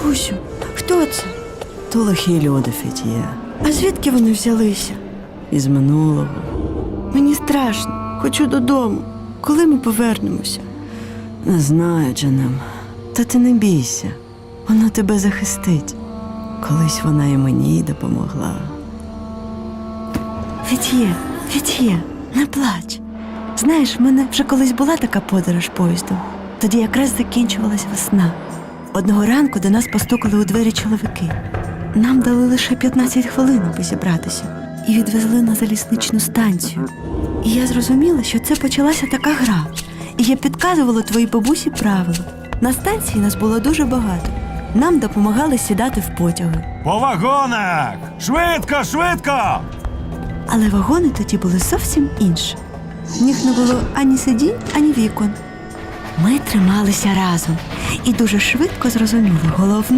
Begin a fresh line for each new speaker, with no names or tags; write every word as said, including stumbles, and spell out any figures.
Бабусю, хто це?
То лихі люди, Фетіє.
А звідки вони взялися?
Із минулого.
Мені страшно. Хочу додому. Коли ми повернемося?
Не знаю, Джанем. Та ти не бійся. Вона тебе захистить. Колись вона і мені допомогла.
Фетіє, Фетіє, не плач. Знаєш, в мене вже колись була така подорож поїздом. Тоді якраз закінчувалась весна. Одного ранку до нас постукали у двері чоловіки. Нам дали лише п'ятнадцять хвилин, аби зібратися. І відвезли на залізничну станцію. І я зрозуміла, що це почалася така гра. І я підказувала твоїй бабусі правила. На станції нас було дуже багато. Нам допомагали сідати в потяги.
По вагонах! Швидко, швидко!
Але вагони тоді були зовсім інші. В них не було ані сидінь, ані вікон. Ми трималися разом і дуже швидко зрозуміли головне.